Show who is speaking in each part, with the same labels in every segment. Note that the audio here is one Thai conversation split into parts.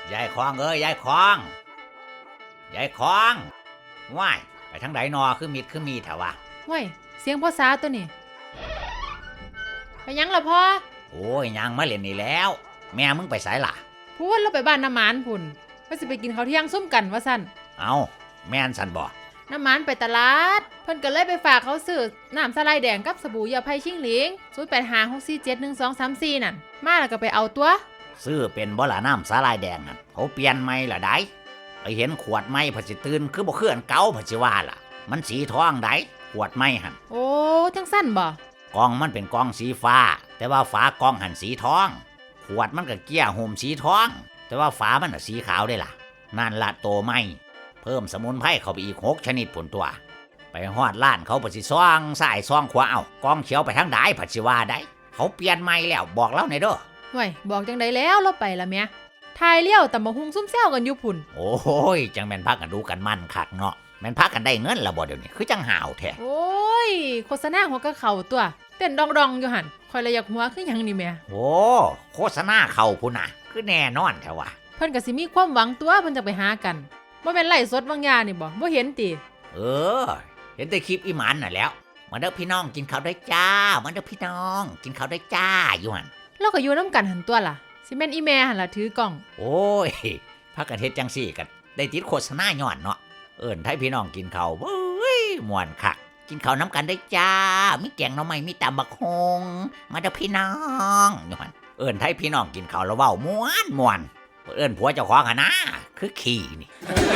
Speaker 1: ยายคองเอ้ยยายคองยายคองว้ายไปทางไหนนอคือมีแถววะ
Speaker 2: ว้ยเสียงพ่อสาตัวนี้ไปยังล่ะพ่อ
Speaker 1: โอ้ยยังมาเล่นนี่แล้วแม่มึงไปไสล่ะ
Speaker 2: พูดแล้วไปบ้านน้ำหมานพุ่นว่าสิไปกินข้าวเที่ยงซุ่มกันว่าสั่น
Speaker 1: เอาแม่นสันบ่
Speaker 2: น้ำหมานไปตลาดเพิ่นก็เลยไปฝากเขาซื้อน้ำสไลด์แดงกับสบู่ยาไผ่ชิงหลิง0856471234นั่นมาแล้วก็ไปเอาตัว
Speaker 1: ซื้อเป็นบ่ล่ะน้ำสาลายแดงนั่นเขาเปลี่ยนใหม่ล่ะได้ไปเห็นขวดใหม่ผัดสิตื่นคือบ่คืออันเก่าผัดสิว่าล่ะมันสีทองได้ขวดใหม่หั่น
Speaker 2: โอ้จังสั้นบ่
Speaker 1: กล่องมันเป็นกล่องสีฟ้าแต่ว่าฝากล่องหั่นสีทองขวดมันก็เกี้ยห่มสีทองแต่ว่าฝามันน่ะสีขาวได้ล่ะนั่นละโตใหม่เพิ่มสมุนไพรเข้าไปอีก6ชนิดผลตัวไปฮอดร้านเขาผัดสิซ่องซ้ายซ่องขวาเอากล่องเขียวไปทางใดผัดสิว่าได้เขาเปลี่ยนใหม่แล้วบอกเล่าหน่อยเด้อ
Speaker 2: ห่วยบอกจังไดแล้วเราไปละแม่ทายเลี้ยวตำบักหุ่งซุ่มแซวกันอยู่พุ่น
Speaker 1: โอ้ยจังแม่นพากันดูกันมั่นคักเนาะแม่นพากันได้เงินละบ่เดี๋ยวนี้คือจังห่าวแท้
Speaker 2: โอ้ยโฆษณาหัวกะเข่าตัวเต้นดองๆอยู่หั่นคอยละอยากหัวคือหยังนี่แม่
Speaker 1: โอ้โฆษณาเข้าพุ่นน่ะคือแน่นอนแท้ว่ะ
Speaker 2: เพิ่นก็สิมีความหวังตัวเพิ่นจะไปหากันบ่แม่นไล่สดบางยานี่บ่เห็นติ
Speaker 1: เห็นแต่คลิปอีหมันน่ะแล้วมาเด้อพี่น้องกินข้าวได้จ้ามาเด้อพี่น้องกินข้าวได้จ้าอยู่หั่น
Speaker 2: เราก็อยู่นำกันหั่นตัวล่ะสิแม่นอีแม่หั่นล่ะถือกล้อง
Speaker 1: โอ้ยพากันเฮ็ดจังซี่กันได้ติดโฆษณาย้อนเนาะเอิ้นไทพี่น้องกินข้าวเว้ยม่วนคักกินข้าวน้ำกันได้จ้ามีแกงหน่อไม้มีตำบักฮงมาเด้อพี่น้องอยู่หั่นเอิ้นไทพี่น้องกินข้าวแล้วเว้าม่วนเอิ้นผัวเจ้าของหั่นนะคือขี้นี่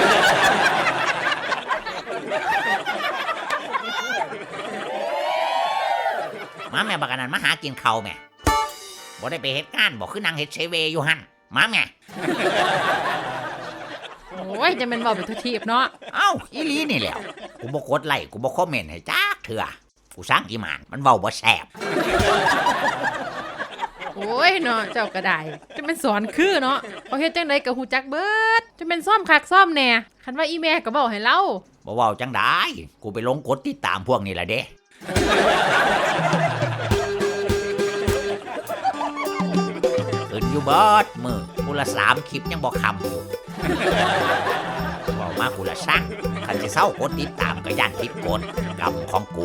Speaker 1: มาแม่บักอันนั้นมาหากินข้าวแม่บ่ได้ไปเฮ็ดงานบ่คือนางเฮ็ดเซเวอยู่หั่นมาแม่
Speaker 2: โอ้ยจะแม่นเว้าไปทุกทีบเนาะ
Speaker 1: เอ้าอีหลีนี่แหละกูบ่กดไลค์กูบ่คอมเมนต์ให้จักเทื่อกูสร้างอีหมานมันเว้าบ่แซ่บ
Speaker 2: โอ้ยเนาะเจ้าก็ได้จะเป็นสอนคือเนาะเขาเฮ็ดจังได๋ก็ฮู้จักเบิดจะเป็นซ่อมคักซ่อมแหน่คันว่าอีแม่ก็เว้าให้เรา
Speaker 1: บ่เว้าจังได๋กูไปลงกดติดตามพวกนี้ล่ะเด้ขึ้นอยู่เบิดมื้อกูละ3คลิปยังบ่คำอยู่เว้ามากูละสั่งคันสิเซากดติดตามก็ย่านผิดกฎกรรมของกู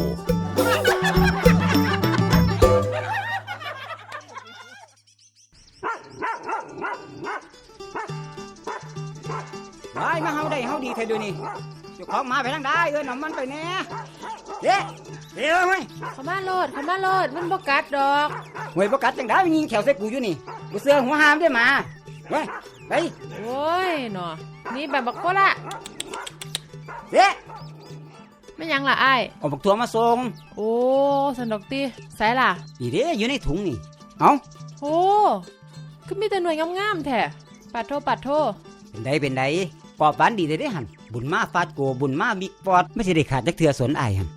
Speaker 3: ไปมาเฮาได้เฮาดีแท้เดี๋ยวนี้เจ้าของมาไปทางใดเอิ้นเอามันไปแน่เด้เดี๋ยวมั้ย
Speaker 2: เข้ามาโลดมันบ่กัดดอก
Speaker 3: ห่วยบ่กัดจังได๋ยิงแขวใส่กูอยู่นี่กูเสือหัวหามได้มาเว้ยไป
Speaker 2: โอ้ยเนาะนี่แบบบักโคละ
Speaker 3: เด้
Speaker 2: แม่ยังล่ะอ้าย
Speaker 3: เอาบักตัวมาส่ง
Speaker 2: โอ้สันดอกติไสล่ะ
Speaker 3: นี่เด้อยู่ในถุงนี่เอ้า
Speaker 2: โอ้คือมีแต่หน่วยงามๆแท้ปัดโท
Speaker 3: เป็นไดปอบหวานดีได้หั่นบุญมาฟาดโกบุญมาบิ๊กปอดไม่สิได้ขาดจักเทื่อสนอ้ายหั่น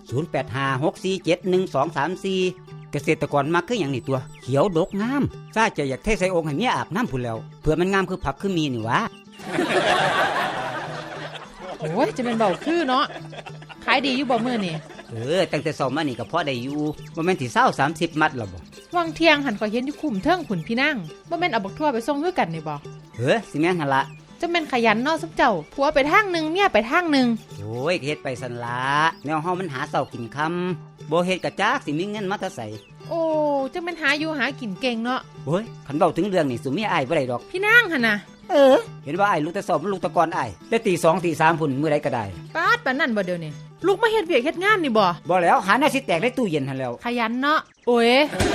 Speaker 3: 0856471234เกษตรกรมักคือหยังนี่ตัวเขียวดกงามซาจะอยากเทใส่องค์ให้เมียอาบน้ำพุ่นแล้วเพื่อมันงามคือผักคือมีนี่วะ
Speaker 2: โอ้ยจะเป็นเบาคือเนาะขายดีอยู่บ่มื้อนี่
Speaker 3: ตั้งแต่2มานี่ก็พอได้อยู่บ่แม่นสิ20-30มัดแล้วบ่
Speaker 2: วังเที่ยงหันก็เห็นอยู่คุ้มเทิงขุนพี่นั่งบ่แม่นเอาบักทั่วไปส่งคือกันนี่บ่
Speaker 3: สิแม่นหั่นล่ะ
Speaker 2: จะเป็นขยันเนาะซุเจ้าผัวไปทางนึงเมียไปทางนึง
Speaker 3: โอ้ยเฮ็ดไปสั่นล่ะแนวเฮามันหาเช้ากินค่ำบ่เฮ็ดก็จักสิมีเงินมาแต่ไส
Speaker 2: โอ้จังแม่นหาอยู่หากินเก่งเนาะ
Speaker 3: โอ้ยคันเว้าถึงเรื่องนี่สุเมียอ้ายบ่ได้ดอก
Speaker 2: พี่นางหั่นน่ะ
Speaker 3: เห็นว่าอ้ายลูกแต่2มันลูกตะกอนอ้ายแต่ตี 2 ตี 3พุ่นมื้อใดก็ได้
Speaker 2: ปาดปานนั้นบ่เดี๋ยวนี้ลูกมาเฮ็ดเวียกเฮ็ดงานนี่บ่
Speaker 3: แล้วหาแนวสิแตกในตู้เย็นหั่นแล้ว
Speaker 2: ขยันเนาะโอ้ย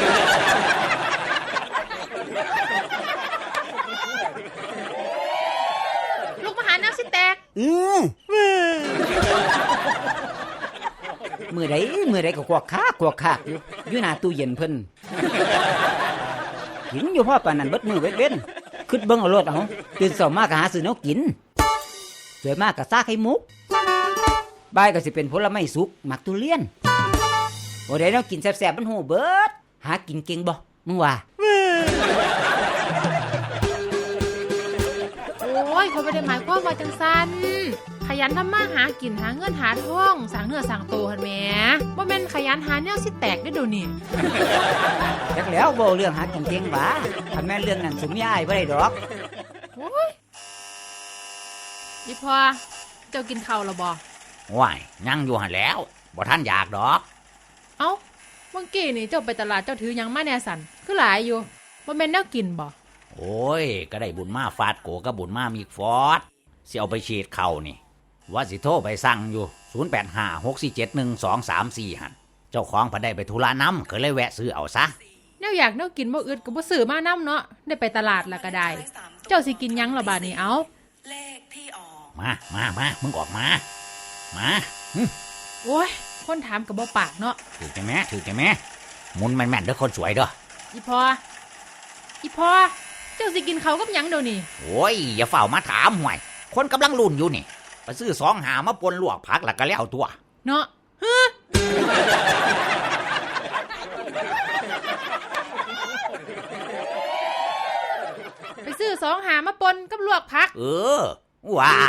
Speaker 3: มื้อใดก็กวกคากอยู่หน้าตู้เย็นเพิ่นกินอยู่พอปานนั้นเบิดมื้อเว้นคิดเบิ่งเอาโลดเอาตื่นเช้ามาก็หาซื้อแนวกินสวยมากก็ซาไข่มุกบ่ายก็สิเป็นผลไม้สุกหมักทุเรียนบ่ได้แนวกินแซ่บๆมันโหเบิดหากินเก่งบ่มึงว่า
Speaker 2: โอ้ยเขาบ่ได้หมายความว่าจังซั่นขยันทำมาหากินหาเงินหาทองสร้างเนื้อสร้างตัวหั่นแหมบ่แม่นขยันหาแนวสิแตกได้เดี๋ยวนี้
Speaker 3: จักแล้วบ่เรื่องหากินเก่งหว่าคันแม่นเรื่องนั้นสุมยายบ่ได้ดอก
Speaker 2: โโอ้ยอีพอเจ้ากินข้าวแล้วบ่
Speaker 1: ว้ายยังอยู่หันแล้วบ่ท่านอยากดอก
Speaker 2: เอ้าเมื่อกี้นี่เจ้าไปตลาดเจ้าถือหยังมาแน่สันคือหลายอยู่บ่แม่นแนวกินบ่
Speaker 1: โอ้ยก็ได้บุญมาฟาดโกกับบุญมามีฟอดสิเอาไปฉีดเข่านี่ว่าสิโทรไปสั่งอยู่0856471234หันเจ้าของพอได้ไปธุระน้ำก็เลยแวะซื้อเอาซะ
Speaker 2: แนวอยากแนวกินบ่อึดก็บ่ซื้อมานํเนาะได้ไปตลาดละก็ได้เจ้าสิกินหยังล่ะบาดนี้เอ้า
Speaker 4: เลขที่ออก
Speaker 1: มามึงออกมาหึ
Speaker 2: โอ้ยคนถามก็บ่ปากเนาะ
Speaker 1: ถือใจแม่หมุนแม่นๆเด้อคนสวยเด้อ
Speaker 2: อีพอเจ้าสิกินข้าวกับหยังเดี๋ยวนี้
Speaker 1: โอ้ยอย่าเฝ้ามาถามห่วยคนกำลังลุ่นอยู่นี่ไปซื้อ2 หามาปนลวกผักแล้วก็แล้วตัว
Speaker 2: เนาะไปซื้อ2 หามาปนกับลวกผัก
Speaker 1: ว้า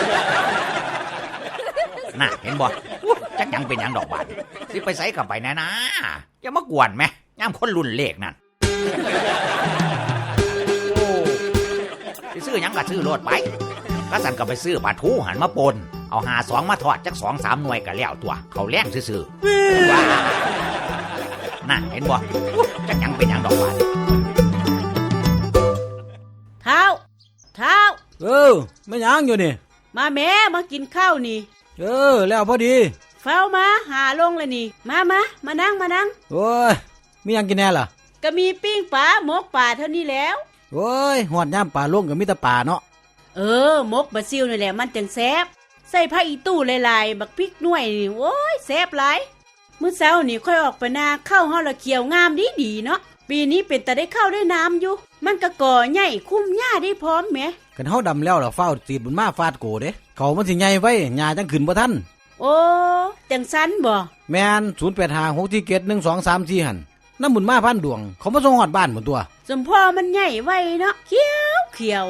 Speaker 1: น่ะเห็นบ่จักยังเป็นหยังดอกบาดสิไปใส่กับไปนะอย่ามากวนแม่ย่ามคนรุ่นเลขนั่นสิซื้อหยังก็ซื้อโลดไปก็สั่นก็ไปซื้อปลาทูหันมาปนเอา52มาทอดจัก2-3 หน่วยก็แล้วตัวเขาแล้งซื่อๆว้าน่ะเห็นบ่จักยังเป็นหยังดอกบาด
Speaker 4: เท้า
Speaker 3: ไม่ยังอยู่นี่
Speaker 4: มาแม่มากินข้าวนี่
Speaker 3: แล้วพอดี
Speaker 4: เฝ้ามาหาลงเลยนี่มานั่ง
Speaker 3: โอ้ยมียังกินแน่ล่ะ
Speaker 4: ก็มีปิ้งปลาหมกปลาเท่านี้แล้ว
Speaker 3: โอ้ยหอดย่ำป่าลงกับมิตรป่าเนาะ
Speaker 4: หมกบะซิวนี่แหละมันจังแซ่บใส่ผ้าอีตู้หลายๆบักพริกหน่วยนี่โอ้ยแซ่บหลายมื้อเช้านี่ค่อยออกไปนาข้าวเฮาละเขียวงามดีเนาะปีนี้เป็นแต่ได้ข้าวได้น้ำอยู่มันก็ก่อใหญ่คุ้มหญ้าได้พร้อมแหม
Speaker 3: กันเฮาดำแล้วล่ะเฝ้าตีดบุญมาฟาดโกเด้เขามันสิใหญ่ไว้หญ้าจังขึ้นบ่ทัน
Speaker 4: โอ้จังสันบ่
Speaker 3: แม่น0856471234หั่นน้ำบุญมาพันดวงเขามาส่งฮอดบ้านหมดตัว
Speaker 4: สมพ่อมันใหญ่ไว้เนาะเขียว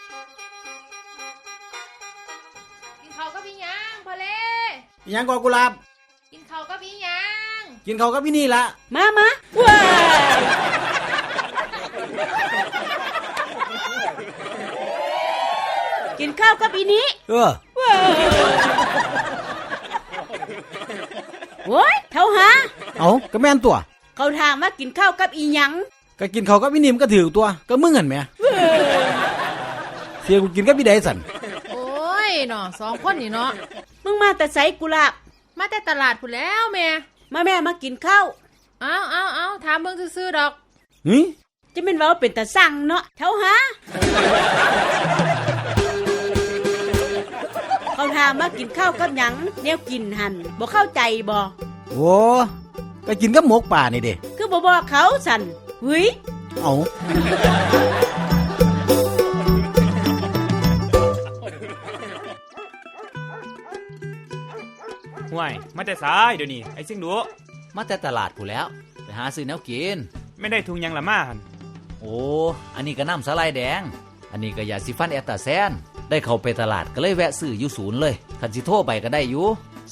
Speaker 2: กินข้าวกับอีหยังพอเล่
Speaker 3: อีหยังก่อกุหลาบ
Speaker 2: กินข้าวกับอีหยัง
Speaker 3: กินข้าวกับพี่นี่ละ
Speaker 4: มาว้ายกินข้าวกับอีนี้โว้ยเท่าหา
Speaker 3: เอาก็แม่นตัว
Speaker 4: เขาถามว่ากินข้าวกับอีหยัง
Speaker 3: ก็กินข้าวกับพี่นี่มันก็ถือตัวก็มึงหั่นแหมเสียกูกินกับพี่ใดสั่น
Speaker 2: โอ้ยเนาะ2 คนนี่เนาะ
Speaker 4: มึงมาแต่ไสกุหลาบ
Speaker 2: มาแต่ตลาดพุ่นแล้วแม่
Speaker 4: มาแม่มากินข้าว
Speaker 2: เอาถามเบิ่งซื่อๆดอก
Speaker 4: จะเป็นเว้าเป็นตาสั่งเนาะเท่าหาเขาถามว่ากินข้าวกับหยังแนวกินหันบ่เข้าใจบ่
Speaker 3: โอ้ก็กินกับหมกป่านี่เด้
Speaker 4: คือบ่บอกเขาสั่นเฮ้ย
Speaker 3: เอา
Speaker 5: ห่วยมาแต่สายเดี๋ยวนี้ไอ้ซิ่งดู
Speaker 6: มาแต่ตลาดผู้แล้วไปหาซื้อแนวกิน
Speaker 5: ไม่ได้ทุงยังละมาหัน
Speaker 6: โอ้อันนี้ก็น้ำสาลายแดง อันนี้ก็ยาสีฟันแอตตาแซนได้เข้าไปตลาดก็เลยแวะซื้ออยู่ศูนย์เลยคันสิโทรไปก็ได้อยู่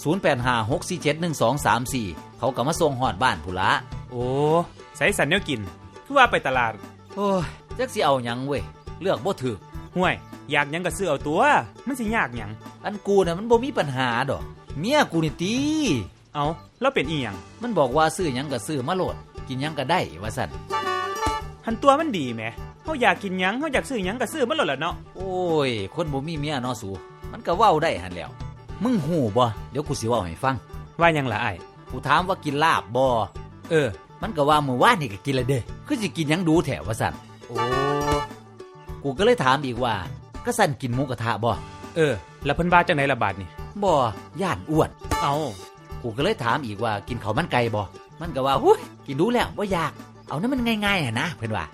Speaker 6: 0856471234เขาก็มาส่งฮอดบ้านผู้ละ
Speaker 5: โอ้ใส่สันเนียวกินคือว่าไปตลาด
Speaker 6: โอ้ยจักสิเอาหยังเว้ยเลือกบ่ถูก
Speaker 5: ห่วยอยากหยังก็ซื้อเอาตัวมันสิยากหยัง
Speaker 6: อันกูน่ะมันบ่มีปัญหาดอกเมียกูนี่ติ
Speaker 5: เอาแล้วเป็นอีหยัง
Speaker 6: มันบอกว่าซื้อหยังก็ซื้อมาโลดกินหยังก็ได้ว่าซั่น
Speaker 5: หันตัวมันดีแหมเฮาอยากกินหยังเฮาอยากซื้อหยังก็ซื้อมันโลดล่ะเนาะ
Speaker 6: โอ้ยคนบ่มีเมียเนาะสูมันก็เว้าได้หั่นแหล้วมึงฮู้บ่เดี๋ยวกูสิเว้าให้ฟัง
Speaker 5: ว่าหยังล่ะอ้าย
Speaker 6: กูถามว่ากินลาบบ่มันก็ว่ามื้อวานนี่ก็กินแล้วเด้คือสิกินหยังดูแถวว่าซั่น
Speaker 5: โอ้
Speaker 6: กูก็เลยถามอีกว่าก็สั่นกินหมูกระทะบ่
Speaker 5: แล้วเพิ่นว่าจังได๋ล่ะบาดนี่
Speaker 6: บ่ย่านอ้วน
Speaker 5: เอา
Speaker 6: กูก็เลยถามอีกว่ากินข้าวมันไก่บ่มันก็ว่าหุ้ยกินดูแล้วบ่อยากเอานั้นมันง่ายๆนะเพิ่นว่า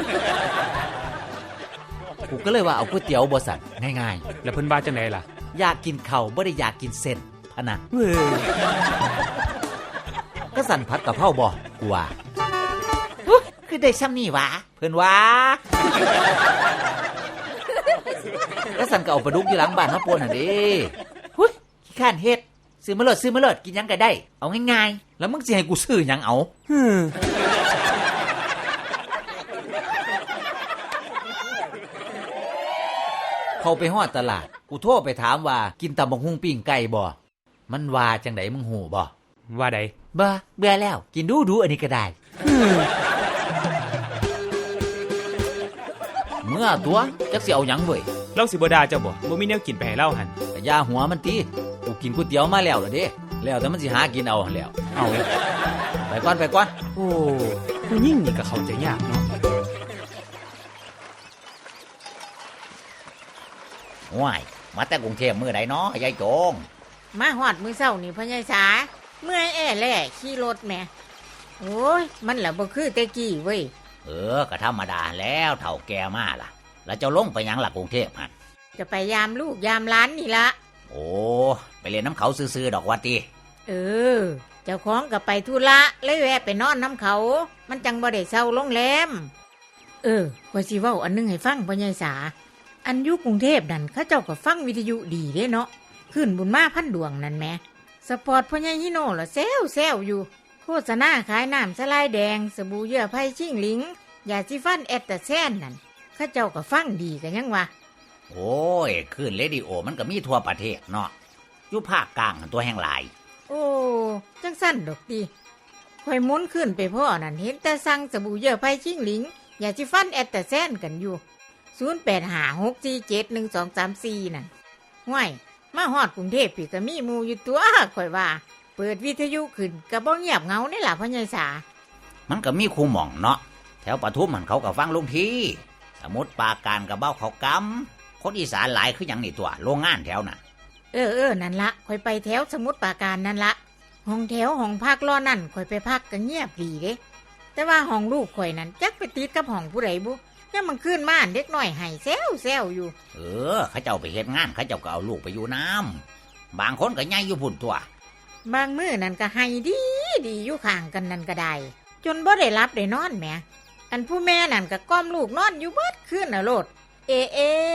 Speaker 6: กูก็เลยว่าเอาก๋วยเตี๋ยวบ่สั่นง่าย
Speaker 5: แล้วเพิ่นว่าจังได๋ล่ะ
Speaker 6: ๆอยากกินข้าวบ่ได้อยากกินเส้นพะนะ
Speaker 5: เว้ย
Speaker 6: ก็สั่นผัดกะเพราบ่กูว่าคือได้ซ้ำนี่หวะเพิ่นว่าก็สั่นก็เอาปลาดุกอยู่หลังบ้านมาป่นหั่นเด้หุ้ยขี้ข้านเฮ็ดซื้อมาเลิศกินหยังก็ได้เอาง่ายๆแล้วมึงสิให้กูซื้อหยังเอาเข้าไปฮอดตลาดกูโทรไปถามว่ากินตำบักหุ่งปิ้งไก่บ่มันว่าจังไดมึงหูบ่
Speaker 5: ว่าใด
Speaker 6: บ่เบื่อแล้วกินดูอันนี้ก็ได้เมื่อตัวจักสิเอาหยังเว้ย
Speaker 5: เราสิบ่ด่าเจ้าบ่มีแนวกินไปให้เราหั่น
Speaker 6: ก็อย่าหัวมันติกูกินก๋วยเตี๋ยวมาแล้วล่ะเด้แล้วแต่มันสิหากินเอาหั่นแล้วเอาไปก่อน
Speaker 5: โอ้ผู้หญิงนี่ก็เข้าใจยากเนาะ
Speaker 1: ว้ายมาแต่กรุงเทพมื้อใดเนาะยายโจง
Speaker 7: มาหอดมือเศร้านี่พ่อใหญ่สาเมื่อยแอ่แล่ขี่รถแหม่โอ้ยมันละบ่คือแต่กี้เว้ย
Speaker 1: ก็ธรรมดาแล้วเฒ่าแก่มาล่ะ แล้วเจ้าลงไปหยังล่ะกรุงเทพหั่น
Speaker 7: จะไปยามลูกยามหล้านนี่ละ
Speaker 1: โอ้ไปเล่นน้ำเขาซื่อๆดอกว่าติ
Speaker 7: เออ เจ้าของก็ไปธุระเลยแวะไปนอนน้ำเขา มันจังบ่ได้เศร้าโรงแรมว่าสิเว้าอันนึงให้ฟังพ่อใหญ่สาอันอยู่กรุงเทพนั่นเขาเจ้าก็ฟังวิทยุดีเด้เนาะขึ้นบุญมาพันดวงนั่นแหมสปอร์ตพ่อใหญ่ฮิโน่ล่ะแซวอยู่โฆษณาขายน้ำสลายแดงสบู่เยื่อไผ่ชิ่งหลิงยาสีฟันแอตตาแซนนั่นเขาเจ้าก็ฟังดีกันยังวะ
Speaker 1: โอ้ยคลื่นเรดิโอมันก็มีทั่วประเทศเนาะอยู่ภาคกลางหั่นตัวแห่งหลาย
Speaker 7: โอ้จังสั้นดอกดีข่อยหมุนขึ้นไปพ่อนั่นเห็นแต่สั่งสบู่เยื่อไผ่ชิ่งหลิงยาสีฟันแอตตาแซนกันอยู่0856471234นั่นห้วยมาฮอดกรุงเทพพี่ก็มีหมู่อยู่ตัวข่อยว่าเปิดวิทยุขึ้นก็บ่เงียบเหงานี่ล่ะพ่อใหญ่สา
Speaker 1: มันก็มีคูหม่องเนาะแถวปทุมมันเขาก็ฟังลุงทีสมุทรปราการกับเบ้าเขากำคนอีสานหลายคืออย่างนี่ตัวโรงงานแถวน่ะ
Speaker 7: นั่นละข่อยไปแถวสมุทรปราการนั่นละห้องแถวห้องพักรอนั่นข่อยไปพักก็เงียบดีเด้แต่ว่าห้องลูกข่อยนั่นจักไปติดกับห้องผู้ใดบุยังมันขึ้นมาเด็กน้อยให้แซวอยู่
Speaker 1: เขาเจ้าไปเฮ็ดงานเขาเจ้าก็เอาลูกไปอยู่น้ำบางคนก็ย้ายอยู่พุ่นตัว
Speaker 7: บางมื้อนั่นก็ให้ดีอยู่ข้างกันนั่นก็ได้จนบ่ได้รับได้นอนแหมอันผู้แม่นั่นก็ก้มลูกนอนอยู่เบิดคืนน่ะโลดเอ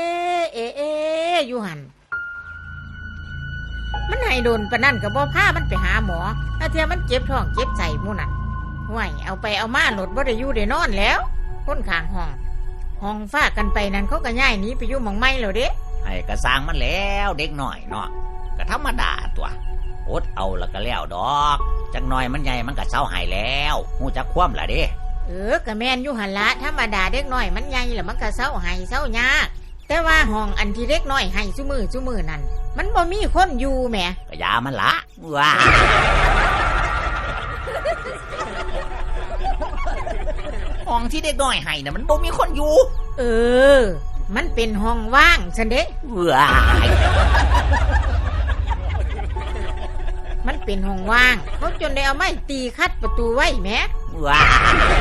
Speaker 7: อยู่หั่นมันให้โดนปานนั้นก็บ่พามันไปหาหมอถ้าเทียมันเจ็บท้องเจ็บไส้หมู่นั่นห่วยเอาไปเอามาโลดบ่ได้อยู่ได้นอนแล้วคนข้างห้องฟ้ากันไปนั่นเขาก็ย้ายหนีไปอยู่หม่องใหม่แล้วเด้
Speaker 1: ให้กระสร้างมันแล้วเด็กน้อยเนาะก็ธรรมดาตัวอดเอาแล้วก็แล้วดอกจักหน่อยมันใหญ่มันก็เศร้าหายแล้วฮู้จักคว่ำล่ะเด้
Speaker 7: ก็แม่นอยู่หั่นละธรรมดาเด็กน้อยมันใหญ่แล้วมันก็เศร้าให้เศร้ายากแต่ว่าห้องอันที่เด็กน้อยให้ซุมือนั่นมันบ่มีคนอยู่แหม
Speaker 1: ก็ยามันละว้าห้องที่เด็กน้อยให้น่ะมันบ่มีคนอยู่
Speaker 7: มันเป็นห้องว่างซั่นเด้
Speaker 1: ว้าย
Speaker 7: มันเป็นห้องว่างเขาจนได้เอาไม้ตีคัดประตูไว้แหม
Speaker 1: ว้าย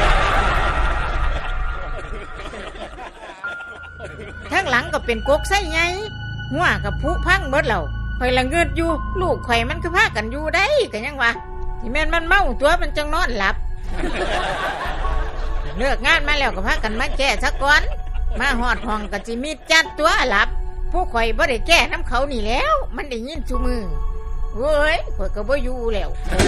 Speaker 7: ทั้งหลังก็เป็นกกไส้ใหญ่หัวกับผุพังเบิดแล้วข่อยละเงิดอยู่ลูกข่อยมันคือพากันอยู่ได้ก็ยังว่าที่แม่นมันเมาตัวมันจังนอนหลับ เลิกงานมาแล้วก็พากันมาแก้ซะก่อนมาฮอดห้องก็สิมีจัดตัวหลับผู้ข่อยบ่ได้แก้น้ำเขานี่แล้วมันได้ยินซุมือเว้ยข่อยก็บ่อยู่แล้ว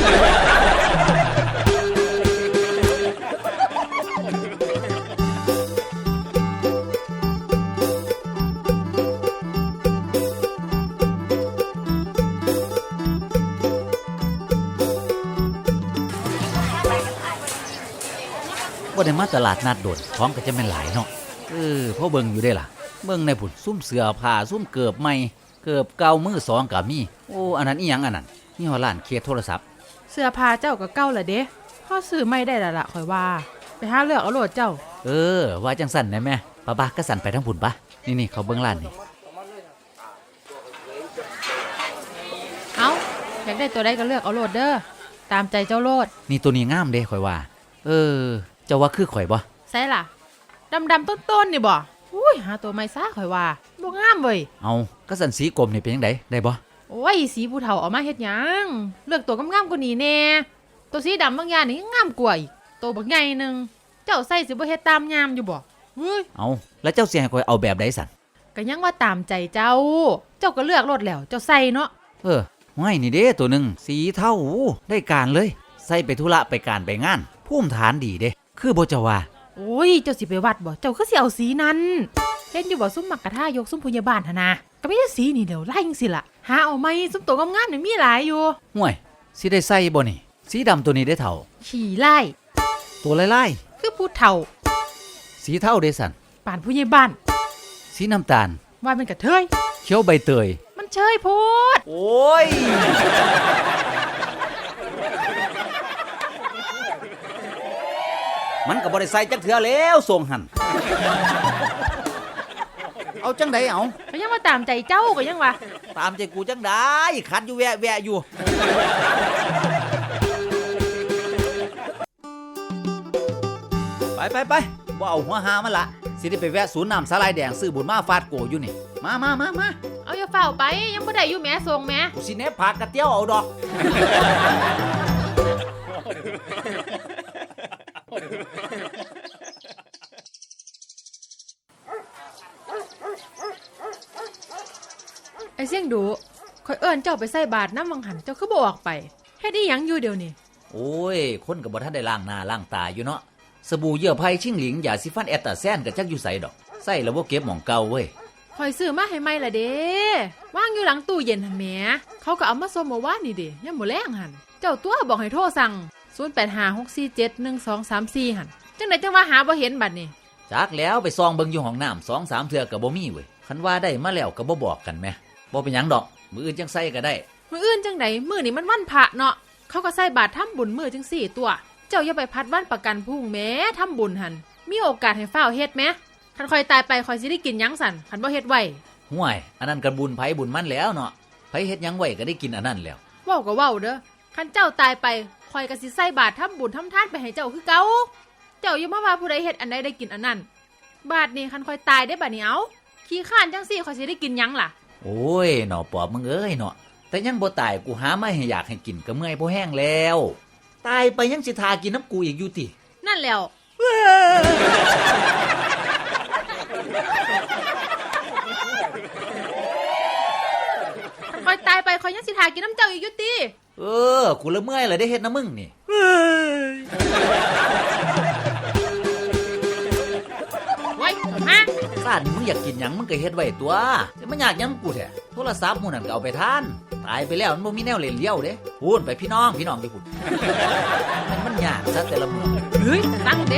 Speaker 6: บ่ได้มาตลาดนัดโดดของก็จะแม่นหลายเนาะพ่อเบิ่งอยู่ได้ล่ะเบิ่งในพุ่นซุ่มเสื้อผ้าซุ่มเกือบใหม่เกือบเก่ามือสองก็มีโอ้อันนั้นอีหยังอันนั้นนี่ฮอดร้านเคสโทรศัพท์
Speaker 2: เสื้อผ้าเจ้าก็เก่าละเด้พ่อซื้อไม่ได้ละข่อยว่าไปหาเลือกเอาโลดเจ้า
Speaker 6: ว่าจังสั่นได้แม่ป้าก็สั่นไปทั้งพุ่นปะนี่เขาเบิ่งร้านนี่
Speaker 2: เอาอยากได้ตัวใดก็เลือกเอาโลดเด้อตามใจเจ้าโลด
Speaker 6: นี่ตัวนี้งามเด้ข่อยว่าเจ้าว่าคือข่อยบ่
Speaker 2: ใส่ล่ะดำต้นนี่บ่อุ้ยหาตัวไม่ซ่าข่อยว่าบ่งามเว้ย
Speaker 6: เอาก็สั่นสีกรมนี่เป็นจังไดได้บ่
Speaker 2: โอ้ยสีผู้เฒ่าเอามาเฮ็ดหยังเลือกตัวงามๆกว่านี้แน่ตัวสีดำบางอย่างนี่งามกว่าอีกตัวบักใหญ่นึงเจ้าใส่สิบ่เฮ็ดตามยามอยู่บ่เฮ้ย
Speaker 6: เอาแล้วเจ้าสิให้ข่อยเอาแบบใดสั่น
Speaker 2: ก็ยังว่าตามใจเจ้าก็เลือกโลดแล้วเจ้าใส่เนาะ
Speaker 6: ห้อยนี่เด้ตัวหนึงสีเทาได้การเลยใส่ไปธุระไปการไปงานภูมิฐานดีเด้คือบ่เจ้าว่า
Speaker 2: โอ้ยเจ้าสิไปวัดบ่เจ้าคือสิเอาสีนั้นเห็นอยู่บ่ซุ่มมักกะท่ายกซุ่มพยาบาลหั่นนะก็มีแต่สีนี่เดี๋ยวไล่จังซี่ล่ะหาเอาไหมซุ่มตัวงามๆนี่มีหลายอยู่
Speaker 6: ห่วยสิได้ใส่บ่นี่สีดำตัวนี้ได้เท่า
Speaker 2: ขี่ไล่
Speaker 6: ตัวลาย
Speaker 2: คือผู้เฒ่า
Speaker 6: ๆสีเท่าได้สั่น
Speaker 2: ป่านผู้ใหญ่บ้าน
Speaker 6: สีน้ำตาล
Speaker 2: ว่าเป็นกระเทย
Speaker 6: เขียวใบเตย
Speaker 2: มันเชยโพด
Speaker 6: โอ้ยมันก็บ่ได้ใส่จักเทื่อแล้วส่งหั่นเอาจังไดเอา
Speaker 2: ก็ยังมาตามใจเจ้าก็ยังวะ
Speaker 6: ตามใจกูจังได้คัดอยู่แวะอยู่ไปบ่เอาหัวหามันละสิได้ไปแวะศูนย์น้ำสาลายแดงซื้อบุญมาฟาดโกอยู่นี่มา
Speaker 2: เอาอย่าเฝ้าไปยังบ่ได้อยู่แหม่ส่งแหม่
Speaker 6: กูสิแนบผักกระเตี้ยวเอาดอก
Speaker 2: ไอ้เสี่ยงดูข่อยเอิ้นเจ้าไปใส่บาตรน้ำวังหันเจ้าคือบ่ออกไปเฮ็ดอีหยังอยู่เดี๋ยวนี้
Speaker 6: โอ้ยคนก็บ่ทันได้ล้างหน้าล้างตาอยู่เนาะสบู่เยื่อไผ่ชิงหลิงยาสีฟันแอตตาแซนก็จักอยู่ไสดอกใส่แล้วบ่เก็บหม่องเก่าเว้ย
Speaker 2: ข่อยซื้อมาให้ใหม่ละเด้วางอยู่หลังตู้เย็นหั่นแหมเขาก็เอามาส่งเมื่อวานนี่เด้ยามมื้อแลงหั่นเจ้าตัวบอกให้โทรสั่ง0856471234หั่นจังได๋จังว่าหาบ่เห็นบัดนี้
Speaker 6: จักแล้วไปซองเบิ่งอยู่ห้องน้ำ2-3เทื่อก็บ่มีเว้ยคันว่าได้มาแล้วก็บ่บอกกันแหมบ่เป็นหยังดอกมื้ออื่นจังใส่ก็ได้
Speaker 2: มื้ออื่นจังไดมื้อนี้มันวันพระเนาะเขาก็ใส่บาตรทำบุญมื้อจังซี่ตัว เจ้าอย่าไปพัดวันประกันพรุ่งแหม้ทำบุญหั่นมีโอกาสให้ฟ้าวเฮ็ดแหมคันข่อยตายไปข่อยสิได้กินหยังสั่นคันบ่เฮ็ดไว้
Speaker 6: ห่วยอันนั้นก็บุญไผบุญมันแล้วเนาะไผเฮ็ดหยังไว้ก็ได้กินอันนั้นแล้ว
Speaker 2: เว้าก็เว้าเด้อคันเจ้าตายไปข่อยก็สิใส่บาตรทำบุญทำทานไปให้เจ้าคือเก่าเจ้าอย่ามาว่าผู้ใดเฮ็ดอันใดได้กินอันนั้นบาดนี้คันข่อยตายได้บัดนี้เอาขี้ข้านจังซี่ข่อยสิได้กินหยังล่ะ
Speaker 6: โอ้ยหนอปอบมึงเอ้ยเนาะแต่ยังบ่ตายกูหาไม่ให้อยากให้กินก็เมื่อยบ่แห้งแล้วตายไปยังสิทากินน้ำกูอีกอยู่ติ
Speaker 2: นั่นแล้วข่อยตายไปข่อยยังสิทากินน้ำเจ้าอีกอยู่ติ
Speaker 6: กูละเมื่อยเลยได้เฮ็ดน้ำมึงนี่
Speaker 2: ไว้ฮะ
Speaker 6: ซ่านมึงอยากกินหยังมึงก็เฮ็ดไว้ตัวแต่มันอยากหยังกูแท้โทรศัพท์หมู่นั่นก็เอาไปทานตายไปแล้วมันบ่มีแนวเล่นเลี้ยวเด้พูดไปพี่น้องไปพูดมันยากซะแต่ละมื้อ
Speaker 2: เฮ้ยตั้งเด้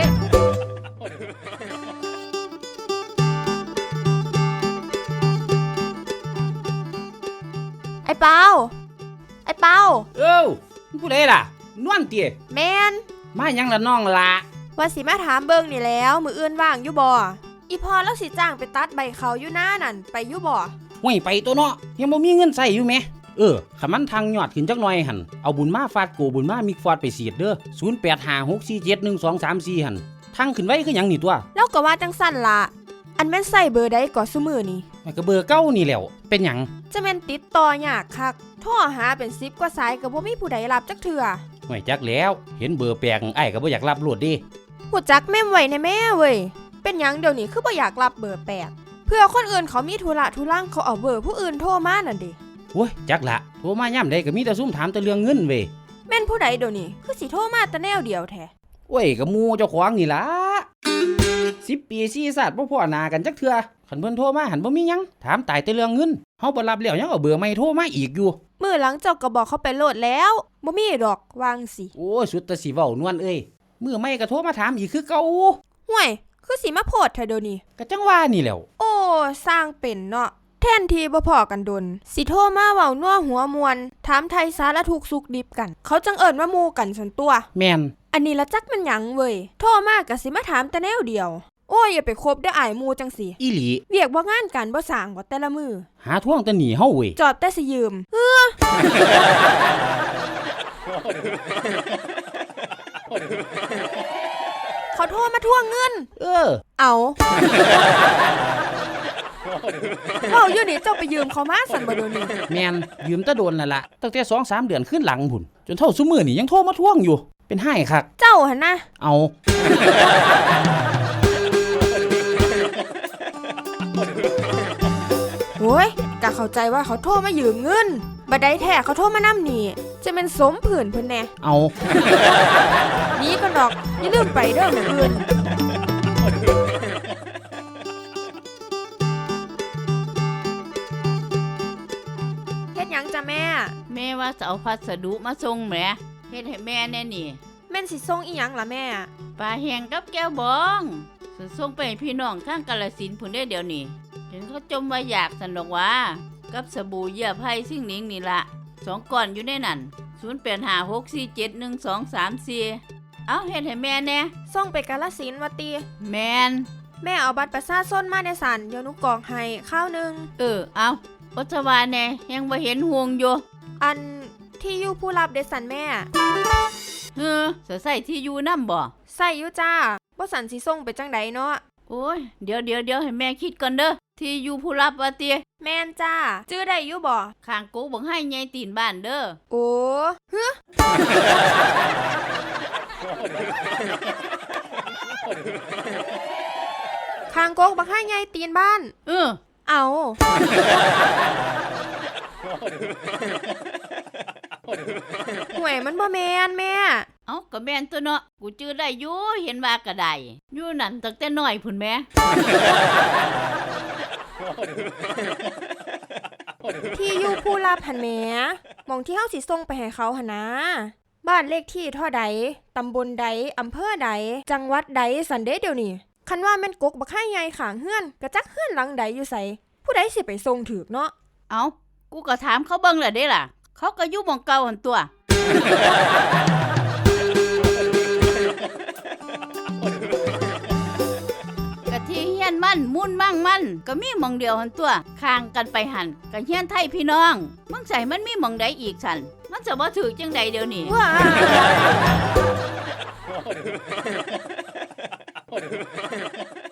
Speaker 8: ไอ้เปาไอ้เปา
Speaker 3: ผู้ใดล่ะนวลเตี้ย
Speaker 8: แมน
Speaker 3: มาหยังละน้องละ
Speaker 8: ว่าสิมาถามเบิ่งนี่แล้วมืออื่นว่างอยู่บ่อีพอแล้วสิจ้างไปตัดใบเขาอยู่หน้านั่นไปอยู่บ่
Speaker 9: ห่วยไปตัวเนาะยังบ่มีเงินใส่อยู่แหมขันมันทางยอดขึ้นจักหน่อยหันเอาบุญมาฟาดโกบุญมามิกฟอดไปเสียดเด้อ0856471234หันทางขึ้นไว้คือหยังนี่ตัว
Speaker 8: แล้วก็ว่าจังสั่นล่ะอันแม่นใส่เบอร์ใดก็ซุมื้อนี่
Speaker 9: มันก็เบอร์เก่านี่แหล้วเป็นหยัง
Speaker 8: จะแม่นติดต่อยากคักโทรหาเป็น10กว่าสายก็บ่มีผู้ใดรับจักเทื่อ
Speaker 9: ห่วยจักแล้วเห็นเบอร์แปลกอ้ายก็บ่อยากรับโลดเดิ
Speaker 8: ฮู้จักแม่มไว้แน่แม่เว้ยเป็นหยังเดี๋ยวนี้คือบ่อยากรับเบอร์แปลกเพื่อคนอื่นเขามีธุระทุรังเขาเอาเบอร์ผู้อื่นโทรมานั่นดิ
Speaker 9: โอ้ยจักละโทรมายามใดก็มีแต่ซุ่มถามแต่เรื่องเงินเว้ย
Speaker 8: แม่นผู้ใดเดี๋ยวนี้คือสิโทรมาแต่แนวเดียวแท้
Speaker 9: โอ้ยก็หมู่เจ้าของนี่ล่ะ10 ปี4ชาติบ่พ้อหน้ากันจักเทื่อคันเพิ่นโทรมาหันบ่มีหยังถามตายแต่เรื่องเงินเฮาบ่รับแล้วยังเอาเบอร์ใหม่โทรมาอีกอยู่
Speaker 8: มื้อหลังเจ้าก็บอกเขาไปโหลดแล้วบ่มีดอกวางสิ
Speaker 9: โอ้ยสุดแต่สิเว้านวลเอ้ยมื้อใหม่ก็โทรมาถามอีกคือเก่า
Speaker 8: ห่วยคือสิมาโพดเธอเดี๋ยวนี้
Speaker 9: ก็จังว่านี่แหล้ว
Speaker 8: โอ้สร้างเป็นเนาะแทนที่บ่พอกันดนสิโทรมาเว้านัวหัวมวนถามไทยสารทุกข์สุขดิบกัน เขาจังเอิ้นว่าหมู่กันสันตัว
Speaker 9: แม่น
Speaker 8: อันนี้ละจักมันหยังเว้ยโทรมาก็สิมาถามแต่แนวเดียว โอ้ยอย่าไปคบเด้ออ้ายหมู่จังสิ
Speaker 9: อีหลี
Speaker 8: เวียกบ่งานกันบ่สร้างบ่แต่ละมือ
Speaker 9: หาท่วงแต่หนีเฮาเว้ย
Speaker 8: จอบแต่สิยืมเขาโทรมาทวงเงิน เอาเว้าอยู่นี่เจ้าไปยืมเขามาสั่นบ่เดี๋ยวนี้
Speaker 9: แม่นยืมแตะโดนนั่นล่ะตั้งแต่ 2-3 เดือนขึ้นหลังพุ่นจนเท่าซุมื้อนี่ยังโทรมาทวงอยู่เป็นไห้คัก
Speaker 8: เจ้าหั่นนะ
Speaker 9: เอา
Speaker 8: โอ้ยกะเข้าใจว่าเขาโทรมายืมเงินบัดใดแท้เขาโทรมานำนี่จะเป็นสมผื่นเพิ่นแน่
Speaker 9: เอา
Speaker 8: นี้ก็ดอกอย่าลืมไปเด้อมื้ออื่น
Speaker 10: ว่าจะเอาพัสดุมาส่งแหมเฮ็ดให้แม่แน่นี่
Speaker 8: แม่นสิส่งอีหยังล่ะแม่
Speaker 10: ปลาแห้งกับแก้วบองสิส่งไปให้พี่น้องข้างกาฬสินธุ์พุ่นได้เดี๋ยวนี้เห็นเขาจมว่าอยากสนอกว่ากับสบู่เหยื่อไผ่ซิ่งหนิงนี่ละ2 ก้อนอยู่ในนั้น0856471234เอาเฮ็ดให้แม่แน่
Speaker 8: ส่งไปกาฬสินธุ์ว่าติ
Speaker 10: แมน
Speaker 8: แม่เอาบัตรประชาชนมาในสันเดี๋ยวหนูกรอกให้ข้าวหนึง
Speaker 10: เอาปัจจุบันแน่ยังบ่เห็นห่วงอยู่
Speaker 8: อันที่อยู่ผู้รับเดสันแม่
Speaker 10: จะใส่ที่อยู่นำบ่
Speaker 8: ใส่อยู่จ้าบ่สันสิส่งไปจังใดเนาะ
Speaker 10: โอ้ยเดี๋ยวให้แม่คิดก่อนเด้อที่อยู่ผู้รับว่าติ
Speaker 8: แม่นจ้าจื้อได้อยู่บ่
Speaker 10: ข้างกูบังให้ใหญ่ตีนบ้านเด้อ
Speaker 8: โอ้ฮึ คางกกบักให้ใหญ่ตีนบ้าน เอา ห่วยมันบ่แมนแม่
Speaker 10: เอาก็แม่นตัวเนาะกูจื้อได้อยู่เห็นว่าก็ได้อยู่นั่นตั้งแต่น้อยพุ่นแม่
Speaker 8: ที่อยู่ผู้รับหันแหมหมองที่เฮาสิส่งไปให้เขาหั่นนะบ้านเลขที่เท่าใดตำบลใดอำเภอใดจังหวัดใดสันเดเดี๋ยวนี้คันว่าแม่นกกบักให้ใหญ่ข้างเฮือนกะจักเฮือนหลังใดอยู่ไสผู้ใดสิไปส่งถูกเนาะ
Speaker 10: เอากูก็ถามเขาเบิ่งแหละเด้ล่ะเขาก็อยู่หม่องเก่าหั่นตัว กะที่เฮียนมันมุ่นมั่งมันก็มีหม่องเดียวหั่นตัวข้างกันไปหั่นก็เฮียนไทยพี่น้องมึงใส่มันมีหม่องใดอีกสั่นมันจะบ่ถูกจังใดเดี๋ยวนี้
Speaker 8: ว้า